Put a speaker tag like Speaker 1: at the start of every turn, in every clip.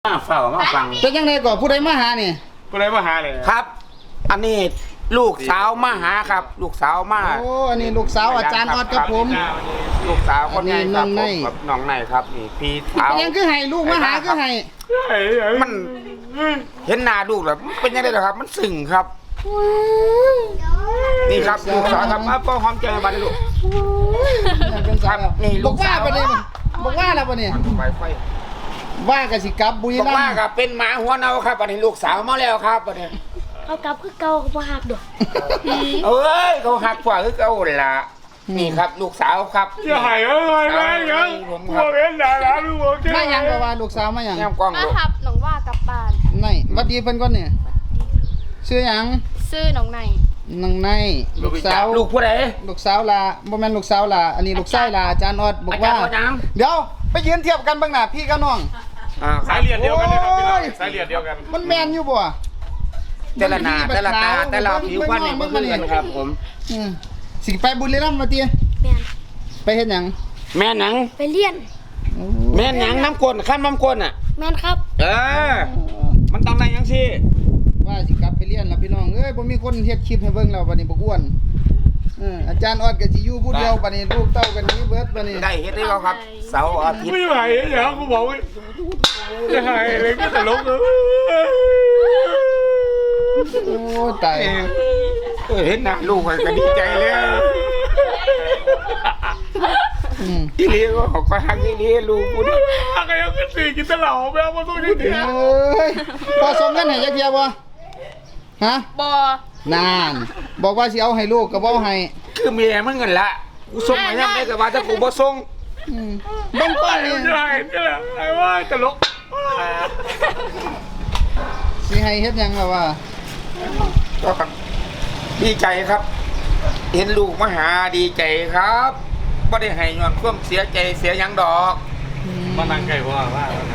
Speaker 1: เฝ้ามาฟัง
Speaker 2: เป็นยังไงก่อนผู้ใดมาหานี่
Speaker 3: ผู้ใดมาหาเลย
Speaker 1: ครับ อันนี้ลูกสาวมาหาครับ ลูกสาวมา
Speaker 2: โอ้อันนี้ลูกสาวอาจารย์ออดครับผม
Speaker 1: ลูกสาวคนนี้ครับ
Speaker 2: อันนี้
Speaker 1: ผมน้องในครับนี่พี่สาว
Speaker 2: เป็นยังคือให้ลูกมาหาคือให้
Speaker 1: มันเห็นหน้าลูกแล้วเป็นยังไงล่ะครับ มันสึ่งครับ นี่ครับลูกสาวครับอ้าวพ่อหอมใจมาดิลูก ครับนี่ลู
Speaker 2: บอก
Speaker 1: ก
Speaker 2: ว่า
Speaker 1: สาว
Speaker 2: ปะเนี่ยบอกว่าแล้วปะเนี่ย
Speaker 1: ไปไฟ
Speaker 2: ว่ากันสิกลับบุรี
Speaker 1: บอก
Speaker 2: รัม
Speaker 1: ว่า
Speaker 2: ย์
Speaker 1: ครับเป็นหมาหัวเน่าครับอันนี้ลูกสาวมาแล้วครับอันนี้
Speaker 4: เอากลับคือเก่าบ่หักดอก
Speaker 1: เอ้ยเขาหักกว่าคือเขาละนี่ครับ ลูกสาวครับ
Speaker 3: อย่าหายอะไรแม่ยังพวกเอ็นด่าแล้วลูกโอเค
Speaker 2: มายังก็ว่าลูกสาวมายัง
Speaker 1: แง้มกล้อง
Speaker 4: มา
Speaker 1: ลูก
Speaker 4: ทับน้องว่ากลับบ้าน
Speaker 2: ไหนวัดดีเพิ่นก่อนเนี่ยชื่อหยัง
Speaker 4: ซื้อน้องใน
Speaker 2: นางในลูกสาว
Speaker 1: ลูกผู้ใด
Speaker 2: ลูกสาวลาบ่แม่นลูกสาวลาอันนี้ลูกชายลาอาจารย์ออดบอกว่า
Speaker 1: อาจารย์ออดยัง
Speaker 2: เดี๋ยวไปยืนเทียบกันเบ้างหน้าพี่กับน้อง
Speaker 3: สายเลือดเดียวกันนะครับพี่น้องสายเลือดเดียวกัน
Speaker 2: มันแม่นอยู่บ่
Speaker 1: แต่ละหนาแต่ละตาแต่ละผิวพรรณเนี่ยบ่คือกันครับ ผม
Speaker 2: อืมสิไปบุรีรัมย์มาติ
Speaker 4: แม่น
Speaker 2: ไปเฮ็ดหยัง
Speaker 1: แม่หนัง
Speaker 4: ไปเรียน
Speaker 2: โอ้
Speaker 1: แม่หนังน้ำก้นขั้นน้ำก้นอ่ะ
Speaker 4: แม่นครับ
Speaker 1: มันต้องได้ยังสิ
Speaker 2: ว่าสิกลับไปเรียนแล้วพี่น้องเอ้ยบ่มีคนเฮ็ดคลิปให้เบิ่งแล้วบัดนี้บ่อ้วนอาจารย์ออดก็สิอยู่ผู้เดียวบัดนี้ลูกเต้ากันนี้เบิดบัดนี้
Speaker 1: ได้เฮ็ดให้เขาครับ เสาร์อาทิตย์
Speaker 3: ไม่ไหวอย่างกูบอกว่าจะหายเลยก็ตลกเลย
Speaker 2: โอ้ตาย
Speaker 1: เห็นหน้าลูกก็ดีใจแล้ว
Speaker 2: อืม
Speaker 1: อีเลี้ยก็ขอหักอีเลี้ยลูกกูนี่
Speaker 3: อะไรยังขึ้นสี่กินตะเหล่าแม่มาต้องยืด
Speaker 2: เอ้ยพอส่งเงินให้จักเที่ยบ่ฮะ
Speaker 4: บ่
Speaker 2: นาน บอกว่าสิเอาให้ลูกก็บ่ให้
Speaker 1: คือเมียมึงเงินละกูส่งมายังได้ก็ว่าถ้ากูบ่ส่ง
Speaker 2: อืมเบิ่งก่อนนี่
Speaker 3: จะหายนี่แหละไอ้ว่าตลก
Speaker 2: สิให้เฮ็ดหยังล่ะว่า
Speaker 1: ก็ดีใจครับ เห็นลูกมาหาดีใจครับบ่ได้ให้ย้อนความเสียใจเสียหยังดอก
Speaker 3: มานั่งไก่ว่า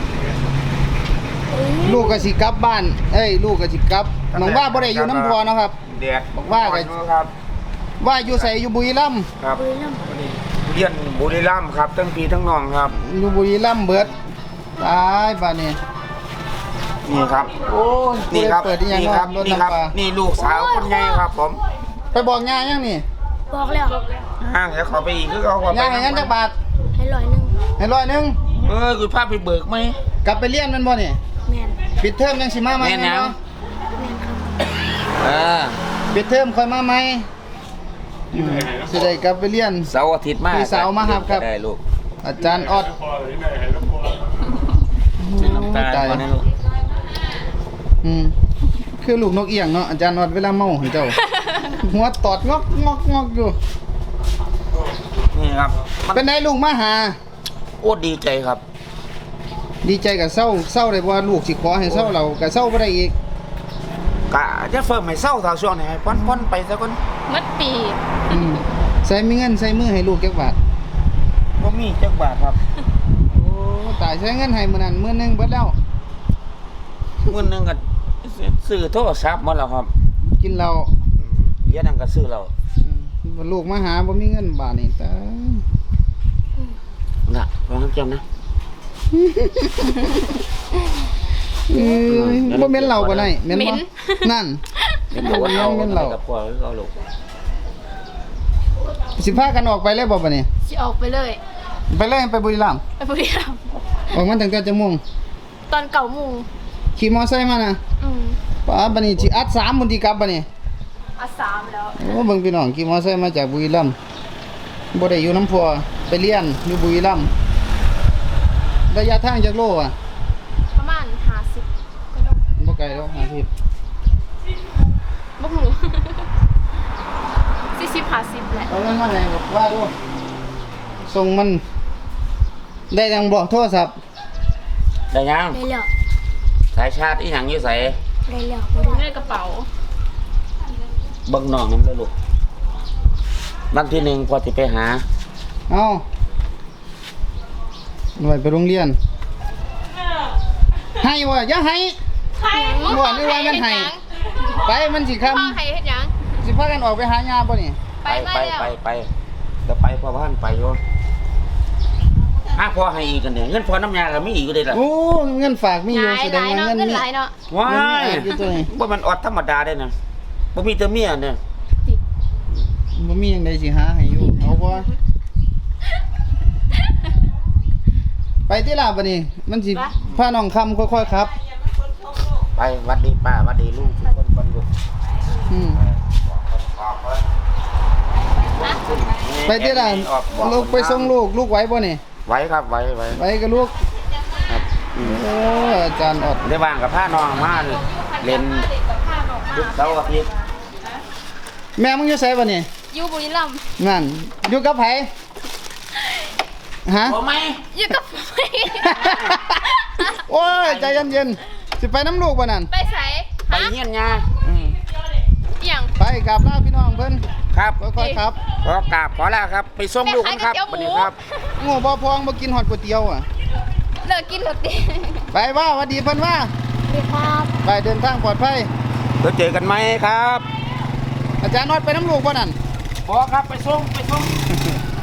Speaker 2: ลูกก็สิกลับบ้านเอ้ยลูกก็สิกลับน้องว่าบ่ได้อยู่น้ำพอเนาะครับ
Speaker 1: แดด
Speaker 2: บอกว่าไง
Speaker 1: ครับ
Speaker 2: ว่าอยู่ไสอยู่บุรีรัมย์
Speaker 1: ครับ
Speaker 4: บุรีรัมย์
Speaker 1: เรียนบุรีรัมย์ครับทั้งพี่ทั้งน้องครับ
Speaker 2: อยู่บุรีรัมย์เบิดตายบัดนี้
Speaker 1: นี่ครับ
Speaker 2: โอ้ย
Speaker 1: นี่ครับ
Speaker 2: เปิดอีหยัง
Speaker 1: นี่ครับ
Speaker 2: รถ
Speaker 1: นี่ครับ
Speaker 2: น้ำปลา
Speaker 1: นี่ลูกสาวคนใหญ่ครับผม
Speaker 2: ไปบอกย่ายังนี่
Speaker 4: บอกแล้ว
Speaker 1: ห่างเดี๋ยวขอไปอีกคือเขาขอไป
Speaker 2: ย่าให้งั้นจักบาท
Speaker 4: ให้ร้อยหนึง
Speaker 2: ให้100
Speaker 1: คือพาไปเบิกไหม
Speaker 2: กลับไปเรียนแมันบ่นี่
Speaker 4: แม่น
Speaker 2: ปิดเทอมยังสิมาใหม่
Speaker 1: แม่นหยัง
Speaker 2: เนาะ
Speaker 4: แม่นครับ
Speaker 2: ปิดเทอมค่อยมาใหม่สิได้กลับไปเรียน
Speaker 1: เสาร์อาทิตย์มา
Speaker 2: พี่สาวมาครับครับ
Speaker 1: ได้ลูก
Speaker 2: อาจารย์ออด
Speaker 3: พอเลยไหนให้ลูกพอ
Speaker 1: น้ำตาลมาในลูก
Speaker 2: อืมคือลูกนกเอียงเนาะอาจารย์ออดเวลาเมาให้เจ้า หัวตอดงอกงอกงอกอยู่
Speaker 1: นี่ครับมัน
Speaker 2: เป็นไงลูกมาหา
Speaker 1: โอ้ดีใจครับ
Speaker 2: ดีใจกับเศร้าเศร้าเลยว่าลูกสิขอให้เศร้าเรากับเศร้าบ่ได้อีก
Speaker 1: กะจะเฟิร์มให้เศร้าเท่าช่วงไหนป้อนไปซะก่อน
Speaker 4: มัดปี
Speaker 2: อืมใส่มีเงินใส่มือให้ลูกจักบาท
Speaker 1: บ่มีจักบาทครับ
Speaker 2: โอ้ตายใช้เงินให้มื้อนั้นมื้อนึงเบิดแล้ว
Speaker 1: มื้อนึงก็ซื้อโทรศัพท์หมาแล้วครับ
Speaker 2: กินเหล้า
Speaker 1: เรียนนั่นก็ซื้อแล้ว
Speaker 2: บ่ลูกมาหาบ่มีเงินบาทนี่ตาย
Speaker 1: น่ะวางจำนะ
Speaker 2: เอ้ยบ่แม่นเหล้าบ่ได้แม่นบ่นั่น
Speaker 1: เป็นตัวเรา
Speaker 2: แม่นเรา
Speaker 1: กับพ่อเราลูก
Speaker 2: สิพากันออกไปเลยบ่บัดนี้
Speaker 4: สิออกไปเลย
Speaker 2: ไปเลยไปบุรีรัมย์
Speaker 4: ไปบุรีรัมย์
Speaker 2: ออกมาตั้งแต่จังโมง
Speaker 4: ตอน9 โมง
Speaker 2: ขี่มอไซค์มานะ ป้าบัดนี้สิอัด3มื้อที่กลับบัดนี้
Speaker 4: อ่ะ3แล้ว
Speaker 2: โอ้เบิ่งพี่น้องขี่มอไซค์มาจากบุรีรัมย์บ่ได้อยู่น้ำพัวไปเรียนอยู่บุรีรัมย์ระยะทางจากโลอ่ะ
Speaker 4: ประมาณ50ก็ต้อง
Speaker 2: บ่ไกลแล้ว50
Speaker 4: บ่ฮู้40 50แหละ
Speaker 2: เอาเงินมาให้บอกว่าดูส่งมันได้ยังบ่โทรศัพท์
Speaker 1: ได้ยัง
Speaker 4: ได้แล้ว
Speaker 1: สายชาติอีหยังอยู่ไส
Speaker 4: ได้แล้วบ่ได้ในกระเป๋า
Speaker 1: เบิ่งน้องนำเด้อลูกวันที่1พอสิไปหา
Speaker 2: เอาหน่วยไปโรงเรียนให้บ่อย่าให้บ่นึกว่ามันให้ไปมันสิค่ำ
Speaker 4: พ่อให้เฮ็ดหยัง
Speaker 2: สิพากันออกไปหายาบ่นี่
Speaker 4: ไปมาแล้ว
Speaker 1: ไปเดี๋ยวไปพ่อบ้านไปอยู่
Speaker 2: ไ
Speaker 1: พอให้อีกกันเนี่ยเงินพอน้ำยาก็มีอีกอยู่เลยล่ะ
Speaker 2: โอ้เงินฝากมีอยู่
Speaker 4: หลาย
Speaker 2: แส
Speaker 4: ห
Speaker 2: ด
Speaker 4: ลาง ย
Speaker 2: ว่า
Speaker 4: เนาะ
Speaker 2: เงิน
Speaker 4: เงิน
Speaker 2: มี
Speaker 4: หลายเนาะ
Speaker 1: ว้าย
Speaker 2: อยู่ตัวนี้
Speaker 1: ว่ามันอดธรรมดาได้นะบ่มีแต่เมียเนี่ย
Speaker 4: ติ
Speaker 2: บ่มีหยังใดสิหาให้อยู่เอาบ่ไปที่ลาบัดนี้มันสิพาน้องคำค่อยๆครับ
Speaker 1: ไปหวัดดีป้าหวัดดีลูกทุกคนก่อนลูก
Speaker 2: อืมไปที่ลาลูกไปส่งลูกไหวบ่นี่
Speaker 1: ไหวครับไหว
Speaker 2: ไหวกับลูก
Speaker 1: ครับอืม
Speaker 2: โอ้อาจารย์อด
Speaker 1: ได้ว่างกับผ้าน้องมาเล่นยุคเสาร์อาทิตย์
Speaker 2: แม่มึงอยู่ไสบ่นี่
Speaker 4: อยู่บุรีรัมย์
Speaker 2: นั่นอยู่กับไผฮะ
Speaker 1: บ่ไหม
Speaker 4: อยู่กับผม
Speaker 2: โอ้ยใจเย็นๆสิไปน้ำลูกบ่นั่น
Speaker 4: ไปไส
Speaker 1: ไป
Speaker 4: ฮะ
Speaker 1: เฮียนยา
Speaker 2: อืม
Speaker 4: อหย่าง
Speaker 2: ไปกราบลาพี่น้องเพิ่น
Speaker 1: ครับ
Speaker 2: ค่อยๆครับ
Speaker 1: ขอกราบขอลาครับ ไปส่งลูกกันครับ
Speaker 4: แม่ขายก๋วยเตี๋ยวหมู
Speaker 1: วันนี้ครับ
Speaker 2: โง่บ่พองบ่กินฮอดก๋วยเตี๋ยวอ่ะ
Speaker 4: เลิกกินหมดดิ
Speaker 2: ไปว่าหวัดดีเพิ่นว่า
Speaker 4: ดีครับ
Speaker 2: ไปเดินทางปลอดภัย
Speaker 1: เดี๋ยวเจอกันไหมครับ
Speaker 2: อาจารย์นอดไปน้ำลูกบ่นั่น
Speaker 1: ขอครับไปส่ง